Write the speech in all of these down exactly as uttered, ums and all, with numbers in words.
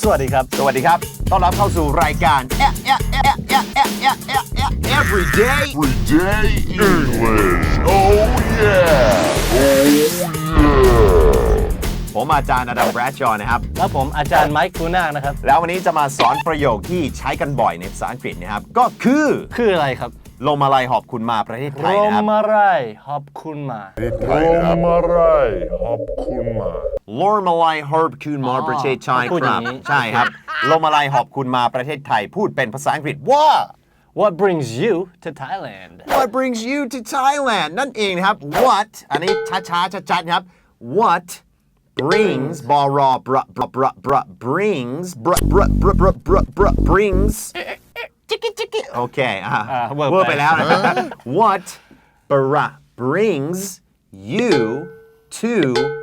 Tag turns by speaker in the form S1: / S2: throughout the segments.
S1: สวัสดีครับ
S2: สวัสดีครับต้อนรับเข้าสู่รายการ Everyday
S3: Everyday English. Oh yeah. Oh yeah.
S2: ผมอาจารย์อดัมแบรดชอว์นะครับ
S1: และผมอาจารย์ไมค์คูน่านะครับ
S2: แล้ววันนี้จะมาสอนประโยคที่ใช้กันบ่อยในภาษาอังกฤษนะครับก็คือ
S1: คืออะไรครับ
S2: ลมอะไรหอบคุณมาประเทศไทยนะครับ
S1: ลมอะไรหอบคุณมา
S3: Romarai Hopkuma.
S2: ลมอะไรหอบคุณมาประเทศไทย
S1: พูด
S2: ค
S1: อย่า
S2: รับ
S1: งนี้
S2: ใช่ครับลมอะไรหอบคุณมาประเทศไทยพูดเป็นภาษาอังกฤษว่า
S1: What brings you to Thailand
S2: What brings you to Thailand นั่นเองนะครับ What อันนี้ช้าๆชัดๆนะครับ What brings บรอบรบรบรบ brings บรบรบรบรบรบร brings จิกกิจิกกิโอเคอ่ะ
S1: อ่าเวอร์
S2: เวอร์
S1: ไป
S2: ไปแล้วนะครับ What bra brings you to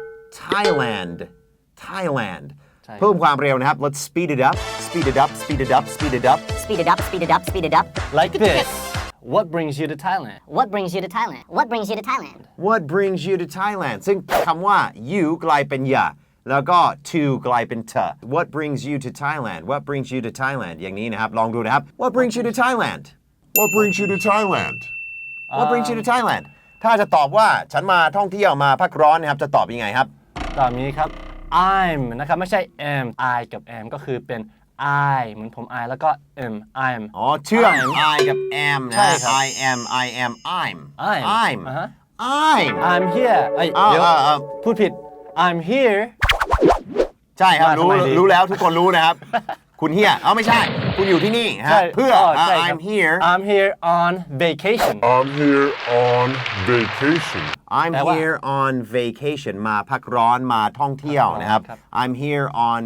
S2: Thailand Thailand เพิ่มความเร็วนะครับ Let's speed it up speed it up speed it up speed it up
S4: Speed it up, speed it up, speed it up.
S1: like this What brings you to Thailand
S4: What brings you to Thailand? What brings you to Thailand?
S2: What brings you to Thailand ซึ่งคำว่า you กลายเป็น ya แล้วก็ to กลายเป็น ta What brings you to Thailand What brings you to Thailand อย่างนี้นะครับลองดูนะครับ What brings you to Thailand
S3: What brings you to Thailand?
S2: What brings you to Thailand ถ้าจะตอบว่าฉันมาท่องเที่ยวมาพักร้อนนะครับจะตอบยังไงครับ
S1: ตอนนี้ครับ I'm นะครับไม่ใช่ am I กับ am ก็คือเป็น I เหมือนผม I แล้วก็ am I'm
S2: อ๋อเชื่อม
S1: I'm
S2: I กับ am นะ
S1: ใช่ครับ
S2: I am I am I'm
S1: I'm
S2: I'm
S1: อ่าฮะ
S2: I'm
S1: I'm here เอ้ย
S2: อ้าว
S1: เดี๋ยว
S2: อ้าวอ้าว
S1: พูดผิด I'm here
S2: ใช่ครับ
S1: มา
S2: รู้
S1: ทำไมดี
S2: รู้แล้วทุกคนรู้นะครับ คุณเฮียเอ้าไม่ใช่ คุณอยู่ที่นี่ฮะ
S1: ใช่
S2: เพื่อ
S1: ใช่ครับ
S2: I'm here
S1: I'm here on vacation
S3: I'm here on vacation.
S2: I'm
S1: แปลว่า
S2: here on vacation มาพักร้อนมาท่องเที่ยวนะครับ
S1: ครับ
S2: I'm here on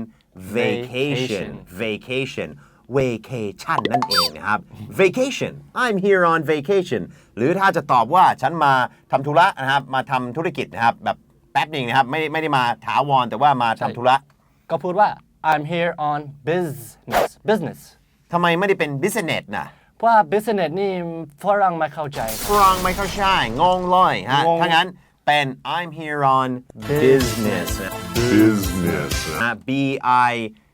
S2: vacation vacation vacation นั่นเองนะครับ vacation I'm here on vacation หรือถ้าจะตอบว่าฉันมาทำธุระนะครับมาทำธุรกิจนะครับแบบแป๊บหนึ่งนะครับไม่ไม่ได้มาถาวรแต่ว่ามาทำธุระ
S1: ก็พูดว่า I'm here on business business
S2: ทำไมไม่ได้เป็น business นะ
S1: เพราะว่า business นี่ฝรั่งไม่เข้าใจ
S2: ฝรั่งไม่เข้าใจงงเลยฮะ
S1: งง
S2: ถ้างั้นเป็น I'm here on business
S3: Business.
S2: นะ B I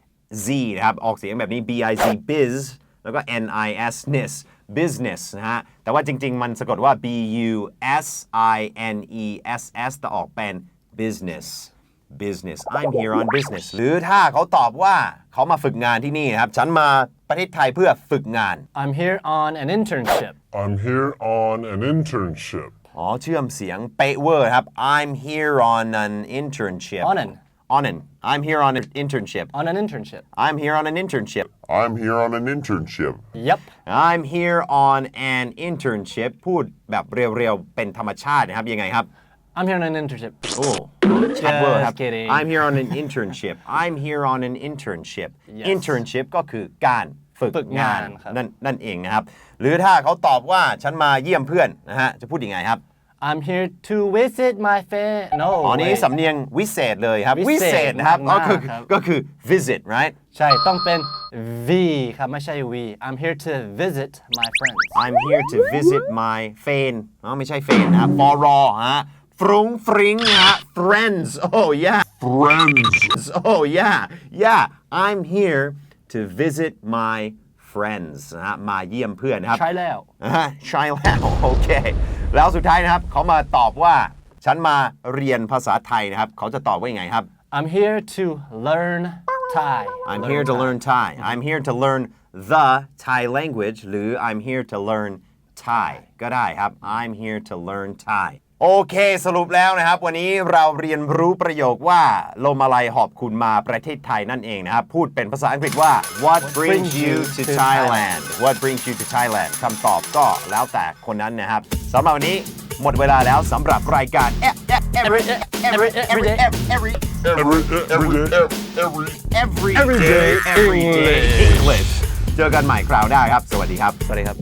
S2: Z นะครับออกเสียงแบบนี้ B I Z biz แล้วก็ N I S ness business นะฮะแต่ว่าจริงๆมันสะกดว่า B U S I N E S S แต่ออกเป็น business business I'm here on business หรือถ้าเขาตอบว่าเขามาฝึกงานที่นี่นะครับฉันมาประเทศไทยเพื่อฝึกงาน
S1: I'm here on an internship
S3: I'm here on an internship.
S2: อ๋อเชื่อมเสียงเป๊ะเวอร์ครับ I'm here on an internship
S1: on an
S2: on an I'm here on an internship
S1: on an internship
S2: I'm here on an internship
S3: I'm here on an internship.
S1: Yep
S2: I'm here on an internship พูดแบบเรียวๆเป็นธรรมชาตินะครับยังไงครับ
S1: I'm here on an internship
S2: โอ้ชัดเวอร์ครับ
S1: Just kidding
S2: I'm here on an internship I'm here on an internship
S1: Yes
S2: internship ก็คือการฝึก
S1: ฝึกงานครับ
S2: นั่นนั่นเองนะครับหรือถ้าเขาตอบว่าฉันมาเยี่ยมเพื่อนนะฮะจะพูดยังไงครับ
S1: I'm here to visit my friend No
S2: อ๋อนี่
S1: wait
S2: สำเนียงวิเศษเลยครับ
S1: วิ
S2: วิ
S1: เศษ
S2: เศษนะครับ
S1: มากๆ
S2: ก็คือ
S1: ครับ
S2: ก็คือ visit right
S1: ใช่ต้องเป็น V ครับไม่ใช่ V I'm here to visit my friends
S2: I'm here to visit my friend อ๋อไม่ใช่ friend นะครับฟอรอฮะฟรุ้งฟริ้งนะฮะ friends oh yeah
S3: Friends.
S2: oh yeah yeah I'm here to visit my friends นะฮะมาเยี่ยมเพื่อนนะครับ
S1: ใช่แล้ว
S2: อ่าใช่แล้วโอเคแล้วสุดท้ายนะครับเขามาตอบว่าฉันมาเรียนภาษาไทยนะครับเขาจะตอบว่ายังไงครับ
S1: I'm here to learn Thai
S2: I'm here to learn Thai I'm here to learn the Thai language หรือ I'm here to learn Thai ก็ได้ครับ I'm here to learn Thai โอเคสรุปแล้วนะครับวันนี้เราเรียนรู้ประโยคว่าลมอะไรหอบคุณมาประเทศไทยนั่นเองนะครับพูดเป็นภาษาอังกฤษว่า What brings you to Thailand What brings you to Thailand คำตอบก็แล้วแต่คนนั้นนะครับสำหรับวันนี้หมดเวลาแล้วสำหรับรายการ every every every every
S3: Every, every day. Every.
S2: every
S1: Everyday
S2: day everyday
S1: English
S2: English เจอกันใหม่คราวหน้าครับสวัสดีครับสวัสดีครับ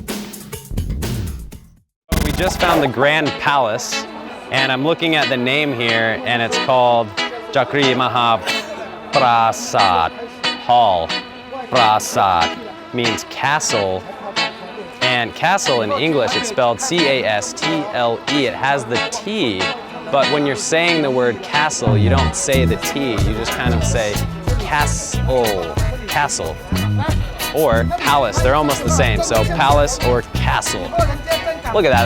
S5: We just found the Grand Palace, and I'm looking at the name here, and it's called Chakri Mahaprasad Hall. Prasad means castle, and castle in English, it's spelled C A S T L E. It has the T, but when you're saying the word castle, you don't say the T, you just kind of say castle. castle. Or palace, they're almost the same. So palace or castle. Look at that.